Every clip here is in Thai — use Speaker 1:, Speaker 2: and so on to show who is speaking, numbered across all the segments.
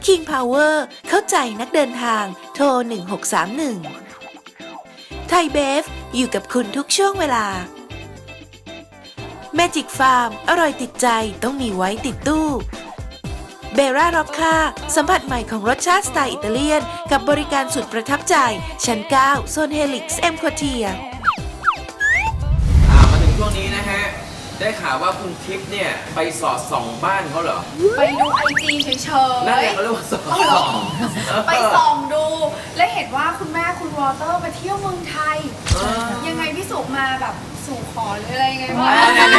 Speaker 1: King Power เข้าใจนักเดินทางโทร1631ไทยเบฟอยู่กับคุณทุกช่วงเวลา Magic Farm อร่อยติดใจต้องมีไว้ติดตู้เบร่าร็อกค่าสัมผัสใหม่ของรสชาติสไตล์อิตาเลียนกับบริการสุดประทับใจชั้น 9 โซนเฮลิกซ์เอ็มควอเทีย
Speaker 2: มาถึงช่วงนี้นะฮะ ได้ข่าวว่าคุณทิพย์เนี่ย ไปสอดส่องบ้านเขาเหรอ
Speaker 3: ไปดูไอจีเฉยๆ
Speaker 2: นั่นแหละเขาเรียกว่าสอดส่อง
Speaker 3: ไปส่องดู และเห็นว่าคุณแม่คุณวอเตอร์มาเที่ยวเมืองไทย ยังไงพี่สุมาแบบสู่ขอหรืออะไรยังไงบ้าง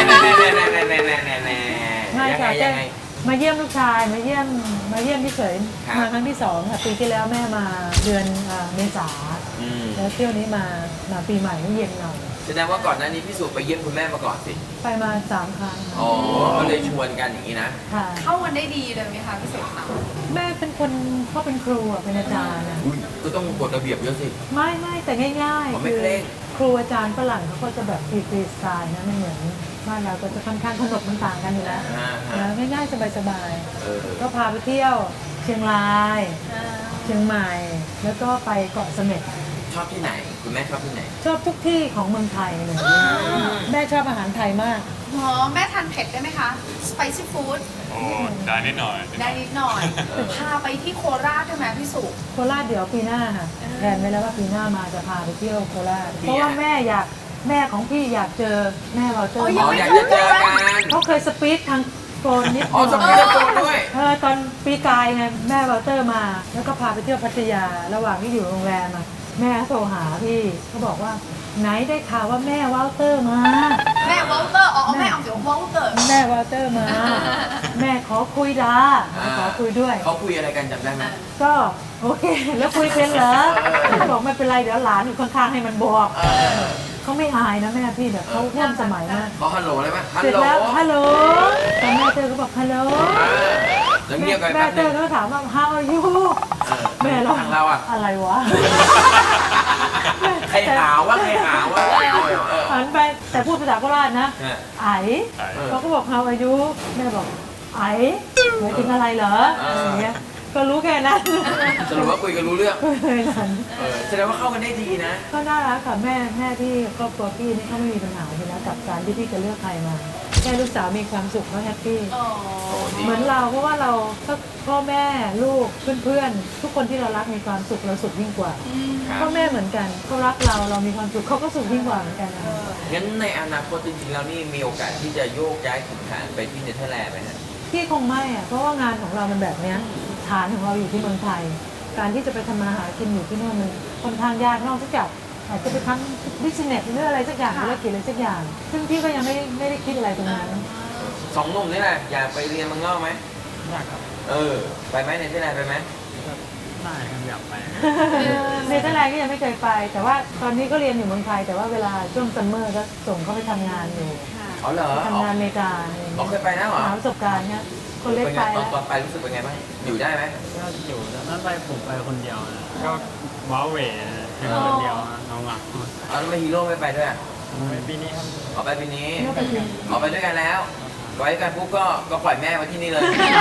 Speaker 4: ไม่ค่ะ
Speaker 2: ยังไง
Speaker 4: มาเยี่ยมลูกชายมาเยี่ยมพี่เฉยมาครั้งที่2ค่ะปีที่แล้วแม่มาเดือนเมษาแล้วเที่ยวนี้มาปีใหม่นี่เย็นหน่อย
Speaker 2: แสดงว่าก่อนหน้านี้พี่สุไปเยี่ยมคุณแม่มาก่อนสิ
Speaker 4: ไปมา3 ครั้ง
Speaker 2: อ๋อ ก็เลยชวนกันอย่างนี้นะ
Speaker 4: ค่ะ
Speaker 3: เข้ากันได้ดีเลยไหมคะพี่สุคะ
Speaker 4: แม่เป็นคนเขาเป็นครูอะเป็นอาจารย์อะ
Speaker 2: ก็ต้องกฎระเบียบเยอะสิ
Speaker 4: ไม่แต่ง่าย
Speaker 2: อ๋อ
Speaker 4: ๆ
Speaker 2: ไม่
Speaker 4: คือ
Speaker 2: เคร่ง
Speaker 4: ครูอาจารย์ฝรั่งเขาก็จะแบบฟรีสไตล์นะไม่เหมือนบ้านเราก็จะค่อนข้างขนบมันต่างกันอยู่แล้วนะง่ายๆสบายๆก็พาไปเที่ยวเชียงรายเชียงใหม่แล้วก็ไปเกาะเสม็ด
Speaker 2: ชอบที่ไหน คุณแม่ชอบที่ไหน
Speaker 4: ชอบทุกที่ของเมืองไทยเลยแม่ชอบอาหารไทยมาก
Speaker 3: อ๋อแม่ทานเผ็ดได้ไหมคะ spicy food
Speaker 5: โอ้ได้นิดหน่อย
Speaker 3: ได้นิดหน่อย พาไปที่โคราชใช่ไหมพี่สุ
Speaker 4: โคราชเดี๋ยวปีหน้าค่ะแผนไว้แล้วว่าปีหน้ามาจะพาไปเที่ยวโคราชเพราะว่าแม่ของพี่อยากเจอแม่เราเจอ
Speaker 2: อ๋ออยากจะเจอกัน
Speaker 4: เขาเคยสปีดทางโฟนนิด
Speaker 2: อ๋อสปีดโฟนด้วย
Speaker 4: ตอนปีกายไงแม่วอลเตอร์มาแล้วก็พาไปเที่ยวพัทยาระหว่างที่อยู่โรงแรมอะแม่โทรหาพี่เขาบอกว่าไหนได้ข่าวว่าแม่วอลเตอร์มา
Speaker 3: แม่วอลเตอร์อ๋อแม่เอาเดี๋ยววอลเตอร์
Speaker 4: แม่วอลเตอร์มา แม่ขอคุยดาขอคุยด้วย
Speaker 2: เขาคุยอะไรกันจำได้ไหม
Speaker 4: ก็โอเคแล้วคุยเป็นเหรอบอกไม่เป็นไรเดี๋ยวหลานอยู่ข้างๆให้มันบอกเขาไม่อายนะแม่พี่เดี๋ยวเขาร่วมสมัยมาก
Speaker 2: เขาฮัลโหลเลยไหมฮัล
Speaker 4: เสร็จ
Speaker 2: โหล
Speaker 4: แล้วฮัลโหลตอนแม่เจอก็บอกฮัลโหล
Speaker 2: แล้วเงียบไป
Speaker 4: แม่
Speaker 2: แป๊บ
Speaker 4: เจ
Speaker 2: นึ
Speaker 4: อง ก็ถามว่า how are you แม่
Speaker 2: ทางเราอ่ะ
Speaker 4: อะไรวะ
Speaker 2: ใครหาว่าใครหาว่า
Speaker 4: หันไปแต่พูดภาษาโคราชนะไอเขาก็บอก how are you แม่บอกไอหมายถึงอะไรเหรออย่างเงี้ยก็รู้แค่นั้น
Speaker 2: สรุปว่าคุยกันรู้เรื่อง
Speaker 4: เลยนั้น
Speaker 2: แสดงว่าเข้ากันได้ดีนะ
Speaker 4: ก็น่ารักค่ะแม่ที่ครอบครัวพี่นี่เขาไม่มีปัญหาเลยนะกับการที่พี่จะเลือกใครมาแค่ลูกสาวมีความสุขเขาแฮปปี้
Speaker 3: อ๋อ
Speaker 4: เหมือนเราเพราะว่าเราพ่อแม่ลูกเพื่อนๆทุกคนที่เรารักมีความสุขเราสุขยิ่งกว่า
Speaker 2: ครับ
Speaker 4: พ่อแม่เหมือนกันเขารักเรามีความสุขเขาก็สุขยิ่งกว่าเหมือนกันนะ
Speaker 2: งั้นในอนาคตจริงๆแล้วนี่มีโอกาสที่จะโยกย้ายถิ่นฐานไปที่เนเธอร์แลนด์ไหมฮะ
Speaker 4: พี่คงไม่อะเพราะว่างานของเรามันแบบเนี้ยฐานของเราอยู่ที่เมืองไทย การที่จะไปทำมาหากินอยู่ที่โน่นมันค่อนข้างยากนอกจากอาจจะไปทำบิสเนสหรืออะไรสักอย่างธุรกิจอะไรสักอย่าง ซึ่งพี่ก็ยังไม่ได้คิดอะไรตรงนั้น
Speaker 2: สองหนุ่มนี่แหละอยากไปเรียนเมืองนอกไหม
Speaker 5: อยากครับ
Speaker 2: ไปไหมเนเธอร์แลนด์ไปไหม
Speaker 5: ได้ครับอยากไป
Speaker 4: เนเธอร์แลนด์ก็ยังไม่เคยไป แต่ว่าตอนนี้ก็เรียนอยู่เมืองไทย แต่ว่าเวลาช่วงซัมเมอร์ก็ส่งเขาไปทำงานอยู่
Speaker 2: อ๋อเหรอ
Speaker 4: ทำงานอเมริกาอะไรอย่าง
Speaker 2: อ๋อ
Speaker 4: เงี้ย
Speaker 2: เคยไปนะเหรอ
Speaker 4: หาประสบการณ์เนี่ยคนเล็กไป
Speaker 2: ต
Speaker 4: แล้ว
Speaker 2: อนไปรู้สึกเป็นไงบ้างอยู่ได้ไหม
Speaker 5: ก็อยู่แต่ถ้าไปผมไปคนเดียวนะก็ว้าเหวนะแค่คนเดียวนะน้องอ่ะ
Speaker 2: เอาแล้วทำไมฮีโร่ไม่ไปด้วยอ่ะ
Speaker 5: ไปปีนี้ครับ
Speaker 2: ออกไปปีนี้ออกไปด้วยกันแล้วไว้กันปุ๊บก็ปล่อยแม่ไว้ที่นี่เลย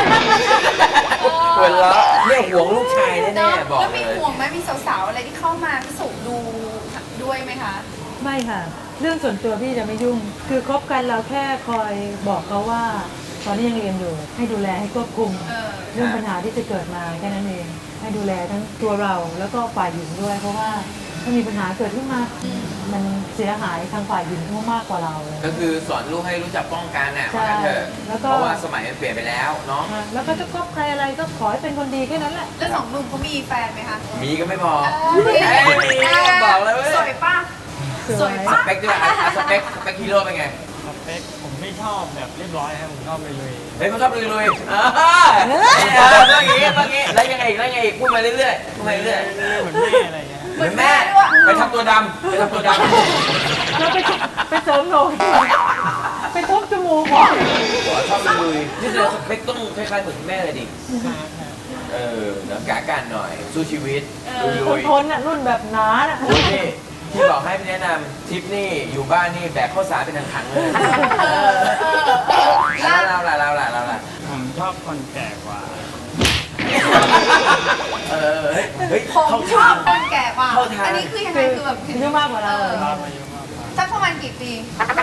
Speaker 2: หัวเราะเนี่ยห่วงลูกชายแน่ๆบอก
Speaker 3: แล้ว
Speaker 2: เล
Speaker 3: มี
Speaker 2: ย
Speaker 3: ห่วงไหมมีสาวๆอะไรที่เข้ามาพี่สุดูด้วยไหมคะ
Speaker 4: ไม่ค่ะ เรื่องส่วนตัวพี่จะไม่ยุ่ง คือคบกันเราแค่คอยบอกเขาว่า ตอนนี้ยังเรียนอยู่ ให้ดูแลให้ควบคุม เรื่องปัญหาที่จะเกิดมาแค่นั้นเอง ให้ดูแลทั้งตัวเราแล้วก็ฝ่ายหญิงด้วย เพราะว่าถ้ามีปัญหาเกิดขึ้นมา มันเสียหายทางฝ่ายหญิงมากกว่าเราเลย
Speaker 2: ก็คือสอนลูกให้รู้จักป้องกันน่ะ
Speaker 4: ใช่
Speaker 2: ว่างั้นเถอะ
Speaker 4: แล้วก็
Speaker 2: เพราะว่าสมัยมันเปลี่ยนไปแล้วเนาะ
Speaker 4: แล้วก็จะคบใครอะไรก็ขอให้เป็นคนดีแค่นั้นแหละ
Speaker 3: แล้วสองหนุ่มเขามีแฟนไหมคะ
Speaker 2: มีก็ไม่บอก
Speaker 3: เอ้ย
Speaker 2: บอกเลยเว้ย
Speaker 3: สวยป่ะ สวย
Speaker 2: ส
Speaker 3: ป่ะ
Speaker 2: เปคด้วยสเปคฮีโร่เป็นไง
Speaker 5: สเปคผมไม่ชอบแบบเรียบร้อยครับผมชอบเลย
Speaker 2: เฮ้ยเขาชอบลุยๆต้องอย่างงี้แล้วยังไงอีกพูดมาเรื่อยๆพูดมาเรื่อย
Speaker 5: ๆเหมือนแม่อะไรเงี้ย
Speaker 2: ๆเหมือนแม่ไปทำตัวดำ
Speaker 4: แล้วไปเสริมโหนกไปทุบจมูกก่อน
Speaker 2: ชอบลุยๆนี่คือสเปคต้องคล้ายๆเหมือนแม่เลยดิเดี๋ยวกะกันหน่อยสู้ชีวิตลุย
Speaker 4: ทนอ่ะรุ่นแบบหนาอ่ะ
Speaker 2: ๆนี่ที่บอกให้แนะนำทิปนี่อยู่บ้านนี่แบกข้าวสารเป็นถังๆเลยเราล่ะ
Speaker 5: ผมชอบคนแก่กว่า
Speaker 2: เฮ้ย
Speaker 3: ผม
Speaker 2: เข้า
Speaker 3: ชอ
Speaker 2: ทา
Speaker 3: บ
Speaker 2: ง
Speaker 3: คนแก่กว่า
Speaker 2: เข้าทาง
Speaker 3: อันนี้คือยังไงคือแบบ
Speaker 4: อายุมากกว่าเรา
Speaker 5: ครับอายุมากกว่า
Speaker 3: สักประมาณกี่ปี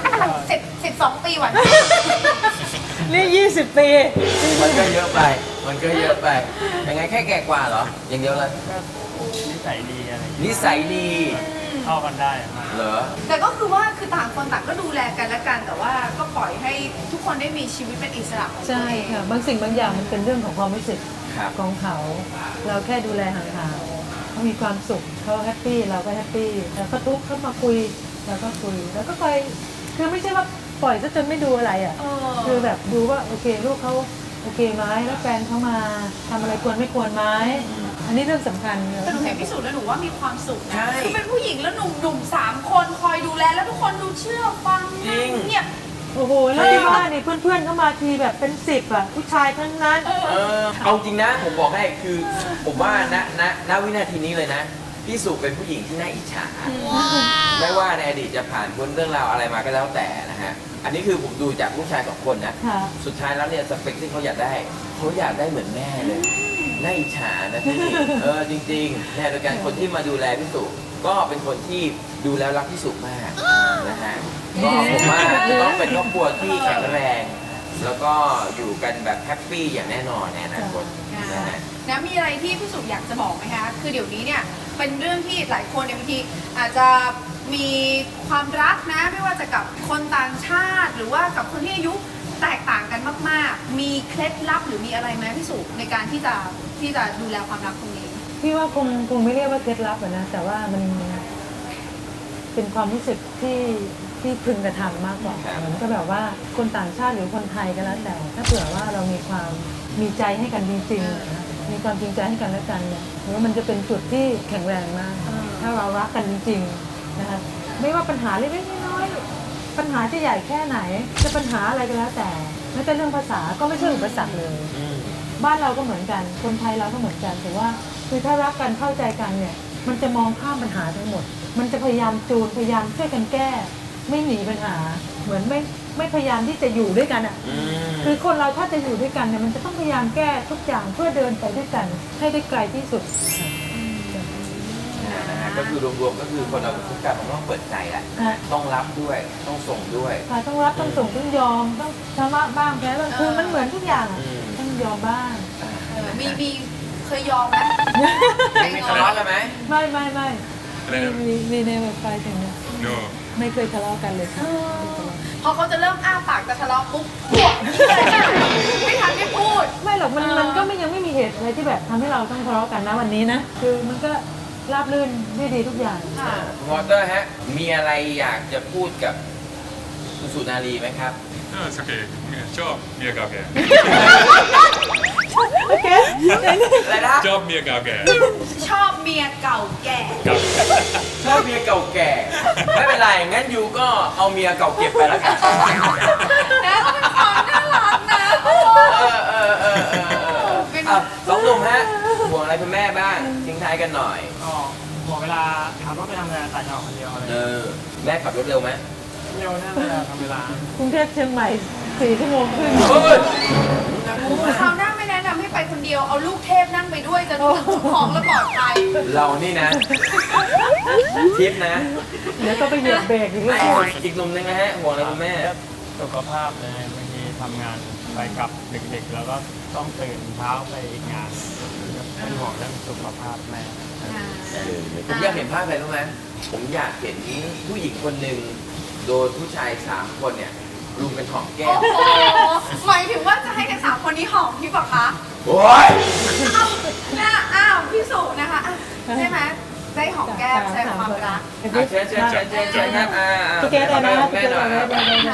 Speaker 3: 12 ปีหวาน
Speaker 4: นี่20 ปี
Speaker 2: มันก็เยอะไป มันก็เยอะไป ยังไงแค่แก่กว่าเหรอ อย่างเดียวเลย
Speaker 5: ก็นิสัยดีอะไรอย่างเงี้ย
Speaker 2: นิสัยดี
Speaker 5: เข้ากันได้มาก
Speaker 2: เหรอ
Speaker 3: แต่ก็คือว่าคือต่างคนต่างก็ดูแลกันและกัน แต่ว่าก็ปล่อยให้ทุกคนได้มีชีวิตเป็นอิสระของตัว
Speaker 4: ใช่
Speaker 3: เอง
Speaker 4: ค่ะบางสิ่งบางอย่างมันเป็นเรื่องของความรู้สึก
Speaker 2: ครับ
Speaker 4: ของเขา เราแค่ดูแลห่างๆเขามีความสุขเขาแฮปปี้เราก็แฮปปี้แล้วก็ทุกข์เขามาคุยเราก็คุยแล้วก็ไปคือไม่ใช่ว่าปล่อยซะจนไม่ดูอะไรอ่ะ คือแบบดูว่าโอเคลูกเขาโอเคไหมแล้วแฟนเขามาทำอะไรควรไม่ควรไหมอันนี้เรื่องสำคัญ
Speaker 3: แต่หนูเห็นพิสูจน์แล้วหนูว่ามีความสุข
Speaker 2: ใช่
Speaker 3: นะคือเป็นผู้หญิงแล้วหนุ่มๆ3 คนคอยดูแลแล้วทุกคนดูเชื่อฟัง
Speaker 2: จริง
Speaker 3: เนี่ย
Speaker 4: โอ้โหแล้วที่บ้านนี่เพื่อนๆเข้ามาทีแบบเป็น10อ่ะผู้ชายทั้งนั้น
Speaker 2: เอาจริงนะ ผมบอกให้คือ ผมว่าณวินาทีนี้เลยนะ พี่สุเป็นผู้หญิงที่น่าอิจฉา ไม่ว่าในอดีตจะผ่านพ้นเรื่องราวอะไรมาก็แล้วแต่นะฮะ อันนี้คือผมดูจากลูกชาย2 คนนะ
Speaker 4: ค่ะ
Speaker 2: สุดท้ายแล้วเนี่ยสเปคที่เขาอยากได้เหมือนแม่เลย น่าอิจฉานะพี่ จริงๆเนี่ยโดยการคนที่มาดูแลพี่สุก็เป็นคนที่ดูแล้วรักพี่สุมากนะฮะ ก็ผมว่าจะต้องเป็นครอบครัวที่แข็งแรง แล้วก็อยู่กันแบบแฮปปี้อย่างแน่นอนในอนาคตนะฮะ
Speaker 3: นะมีอะไรที่พี่สุอยากจะบอกไหมคะ คือเดี๋ยวนี้เนี่ยเป็นเรื่องที่หลายคนเนี่ยบางทีอาจจะมีความรักนะ ไม่ว่าจะกับคนต่างชาติ หรือว่ากับคนที่อายุแตกต่างกันมากๆ มีเคล็ดลับหรือมีอะไรไหมพี่สุในการที่จะดูแลความรักตรงนี้
Speaker 4: พี่ว่าคงไม่เรียกว่าเคล็ดลับอะนะแต่ว่ามันเป็นความรู้สึกที่พึงกระทำมากกว่า
Speaker 2: ครับ
Speaker 4: เหมือนก็แบบว่าคนต่างชาติหรือคนไทยก็แล้วแต่ ถ้าเผื่อว่าเรามีความมีใจให้กันจริงๆนะมีความจริงใจให้กันและกันเนี่ยหรือว่ามันจะเป็นจุดที่แข็งแรงมาก ถ้าเรารักกันจริงๆนะคะไม่ว่าปัญหาเล็กๆน้อยๆปัญหาจะใหญ่แค่ไหน จะปัญหาอะไรก็แล้วแต่แม้แต่เรื่องภาษาก็ไม่ใช่อุปสรรคเลย บ้านเราก็เหมือนกัน คนไทยเราก็เหมือนกัน แต่ว่าคือถ้ารักกันเข้าใจกันเนี่ย มันจะมองข้ามปัญหาทั้งหมด มันจะพยายามจูน พยายามช่วยกันแก้ ไม่หนีปัญหา เหมือนไม่พยายามที่จะอยู่ด้วยกันอ่ะ คือคนเราถ้าจะอยู่ด้วยกันเนี่ยมันจะต้องพยายามแก้ทุกอย่างเพื่อเดินไปด้วยกัน ให้ได้ไกลที่สุด
Speaker 2: นะฮะก็คือรวมๆก็คือคนเราทุกการมันต้องเปิดใจแหละ
Speaker 4: ค่ะ
Speaker 2: ต้องรับด้วย ต้องส่งด้วย
Speaker 4: ค่ะต้องรับต้องส่งต้องยอมต้องชำระบ้างแพ้บ้างคือมันเหมือนทุกอย่างอะ
Speaker 2: อืม
Speaker 4: ต้องยอมบ้าง
Speaker 3: มีเคยยอมไหม
Speaker 2: มีทะเลาะกันไหม
Speaker 4: ไม่มีในเว็บไซต์ถึงเนี่ย
Speaker 6: No.
Speaker 4: ไม่เคยทะเลาะกันเลยค่ะ
Speaker 3: พอเขาจะเริ่มอ้าปากจะทะเลาะปุ๊บพวกไม่ทันได้พูด
Speaker 4: ไม่หรอกมันก็ยังไม่มีเหตุอะไรที่แบบทำให้เราต้องทะเลาะกันนะวันนี้นะ คือมันก็ราบรื่นด้วยดีทุกอย่าง
Speaker 3: ค่ะ
Speaker 2: คุณวอเตอร์ฮะ มีอะไรอยากจะพูดกับคุณสุนารีไหมครับ
Speaker 6: No, it's okay. Job Mia Gage.
Speaker 4: โอเค
Speaker 2: อะไรนะ
Speaker 6: Job Mia Gage.
Speaker 3: ชอบเมียเก่าแก่
Speaker 2: ชอบเมียเก่าแก่ ไม่เป็นไร งั้นยูก็เอาเมียเก่าเก็บไปแล้วกัน
Speaker 3: นะก็เป็นความน่ารักนะโอ้ เป็น
Speaker 2: อ่ะสองหนุ่มฮะห่วงอะไรคุณแม่บ้าง ทิ้งท้ายกันหน่อย
Speaker 5: ก็บอกเวลาขับรถไปทำงานต่างจังหวัดคนเดียวอะไร
Speaker 2: แม่ขับรถเร็วไหม
Speaker 5: เร็วนะเวลาทำเวลา
Speaker 4: กรุงเทพเชียงใหม่4 ชั่วโมงครึ่ง
Speaker 2: เฮ้ย
Speaker 3: คราวหน้าไม่แนะนำให้ไปคนเดียว เอาลูกเทพนั่งไปด้วยจะถึงของและปลอดภัย
Speaker 2: เรานี่นะ ทิปนะ
Speaker 4: เดี๋ยวก็ไปเหยียบเบรกอีกแล้ว
Speaker 2: อีกหนุ่มหนึงนะฮะ ห่วงอะไรคุณแม่
Speaker 5: สุขภาพเลยบางทีทำงานไปกลับดึกๆแล้วก็ต้องตื่นเช้าไปอีกงานเป็นห่วงเรื่องสุขภาพแม่
Speaker 2: ผมอยากเห็นภาพอะไรรู้ไหมผมอยากเห็นผู้หญิงคนหนึ่งโดนผู้ชาย3 คนเนี่ยรุมเป็นหอมแก้
Speaker 3: โอ้
Speaker 2: ม
Speaker 3: โหหมายถึงว่าจะให้กัน3 คนนี้หอมพี่ปะคะ
Speaker 2: โอ้ย
Speaker 3: อ้าวพี่สุนะคะอ่ะใช่ไหมได้หอมแก้มแสดงความรัก
Speaker 2: เชิญครับ
Speaker 4: พี่เกดเลยนะ
Speaker 2: แม่หน่อยครับ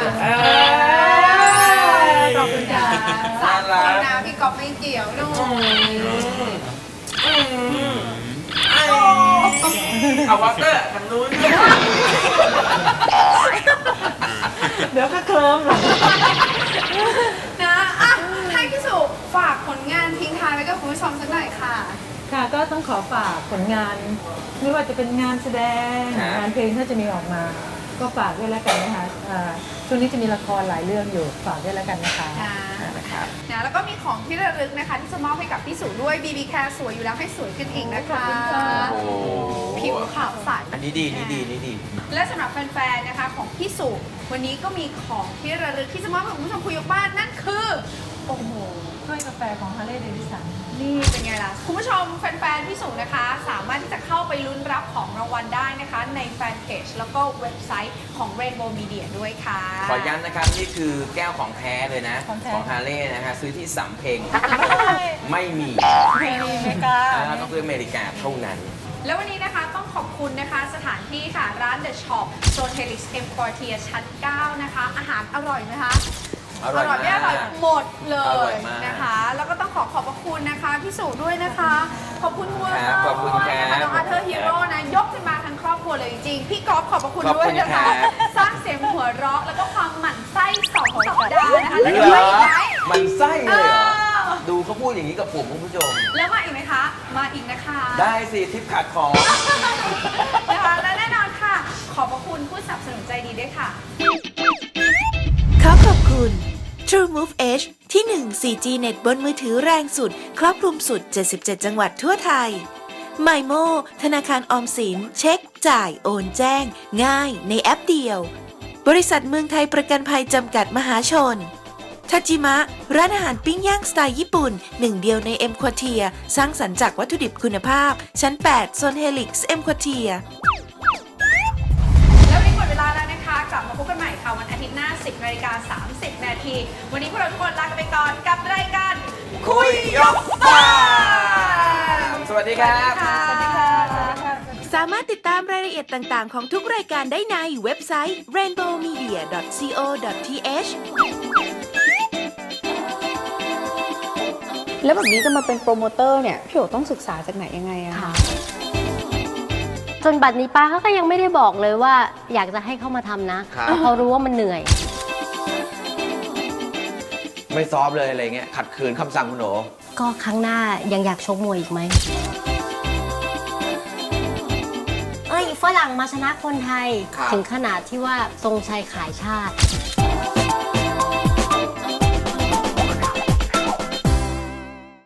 Speaker 4: ขอบคุณค่ะ
Speaker 3: 3 คนนะพี่กอบไม่เกี่ยวด้วย
Speaker 2: เอาวอเตอร์ทางนู้น
Speaker 4: เดี๋ยวก็เคลิ้มหรอก
Speaker 3: นะอ่ะให้พี่สุฝากผลงานทิ้งท้ายไว้กับคุณผู้ชมสักหน่อยค่ะ
Speaker 4: ค่ะก็ต้องขอฝากผลงาน ไม่ว่าจะเป็นงานแสดงงานเพลงถ้าจะมีออกมา ก็ฝากด้วยแล้วกันนะคะช่วงนี้จะมีละครหลายเรื่องอยู่ฝากด้วยแล้วกันนะคะ
Speaker 3: ค่ะ
Speaker 2: ครับ
Speaker 3: นะแล้วก็มีของที่ระลึกนะคะที่จะมอบให้กับพี่สุด้วย BB Care สวยอยู่แล้วให้สวยขึ้นอีกนะคะ
Speaker 2: โอ้โห
Speaker 3: ผิวขาวใส
Speaker 2: อันนี้ดีนี่ดีนี่ดี
Speaker 3: และสำหรับแฟนๆนะคะของพี่สุวันนี้ก็มีของที่ระลึกที่จะมอบให้คุณผู้ชมคุยยกบ้านนั่นคือโอ้โห
Speaker 4: ถ้วยกาแฟของฮาร์เลย์เดวิสัน
Speaker 3: นี่เป็นไงล่ะ คุณผู้ชมแฟนๆพี่สุนะคะ สามารถที่จะเข้าไปลุ้นรับของรางวัลได้นะคะ ในแฟนเพจแล้วก็เว็บไซต์ของ Rainbow Media ด้วยค่ะ
Speaker 2: ขอย้ำนะครับ นี่คือแก้วของแท้เลยนะ
Speaker 4: ของแท้
Speaker 2: ของฮาร์เลย์นะฮะซื้อที่สำเพ็งไม่มี
Speaker 4: ไม่มีเมกา
Speaker 2: ต้องซื้ออเมริกาเท่านั้น
Speaker 3: แล้ววันนี้นะคะต้องขอบคุณนะคะสถานที่ค่ะร้าน The Shop โซน Helix M Quartier ชั้น 9 นะคะ อาหารอร่อยไหมคะ
Speaker 2: อร่อยมาก
Speaker 3: ไม่อร่อยหมดเล
Speaker 2: อร่อย ยมาก
Speaker 3: นะคะ แล้วก็ต้องขอบพระคุณนะคะพี่สุด้วยนะคะ ขอบคุณคุณ
Speaker 2: ครับขอบคุณครับ
Speaker 3: นะคะน้องอาเธอร์ฮีโร่นะยกขึ้นมาทั้งครอบครัวเลยจริงๆพี่ก๊อฟขอบพระคุณ
Speaker 2: ขอบ
Speaker 3: ด้ว
Speaker 2: คุ
Speaker 3: ย
Speaker 2: ณ
Speaker 3: นะคะ
Speaker 2: ครับ
Speaker 3: สร้างเสียงหัวเราะแล้วก็ความหมั่นไส้2 สัปดาห์นะคะแล้ว
Speaker 2: เห
Speaker 3: ยัง
Speaker 2: ร
Speaker 3: ไม่
Speaker 2: อ
Speaker 3: อีกไหม
Speaker 2: มันไส้เลยเหรอ
Speaker 3: เออ
Speaker 2: ดูเขาพูดอย่างนี้กับผมคุณผู้ชม
Speaker 3: แล้วมาอีกไหมคะ มาอีกนะคะ
Speaker 2: ได้สิทิปขาดของ
Speaker 3: นะคะและแน่นอนค่ะ ขอบพระคุณผู้สนับสนุนใจดีด้วยค่ะ
Speaker 1: ขอขอบคุณ True Move Edge ที่ 1 4G เน็ตบนมือถือแรงสุด ครอบคลุมสุด 77 จังหวัดทั่วไทย MyMo ธนาคารออมสิน เช็ค จ่าย โอนแจ้ง ง่ายในแอปเดียว บริษัทเมืองไทยประกันภัยจำกัดมหาชน ทาจิมะ ร้านอาหารปิ้งย่างสไตล์ญี่ปุ่น หนึ่งเดียวใน M Quartier สร้างสรรค์จากวัตถุดิบคุณภาพ ชั้น 8 โซน Helix M Quartier
Speaker 3: แล้ววันนี้หมดเวลาแล้วนะคะ กลับมาพบกันใหม่ค่ะวันอาทิตย์หน้า 10:30 นาที วันนี้พวกเราทุกคนลากันไปก่อนกับรายการ
Speaker 2: คุยยกบ้านสวัสดีครับ
Speaker 3: สวัสดีค่ะ
Speaker 1: สามารถติดตามรายละเอียดต่างๆ ของทุกรายการได้ในเว็บไซต์ rainbowmedia.co.th
Speaker 7: แล้วแบบนี้จะมาเป็นโปรโมเตอร์เนี่ย พี่โอต้องศึกษาจากไหนยังไงอะคะ
Speaker 8: จนบัดนี้ป้าเขาก็ยังไม่ได้บอกเลยว่าอยากจะให้เขามาทำนะ
Speaker 2: ครับ
Speaker 8: เพราะเขารู้ว่ามันเหนื่อย
Speaker 2: ไม่ซอฟเลยอะไรเงี้ยขัดขืนคำสั่งคุณโหน
Speaker 8: ก็ครั้งหน้ายังอยากชกมวยอีกไหม เอ้ยฝรั่งมาชนะคนไทย
Speaker 2: ครับ
Speaker 8: ถึงขนาดที่ว่าทรงชัยขายชาติ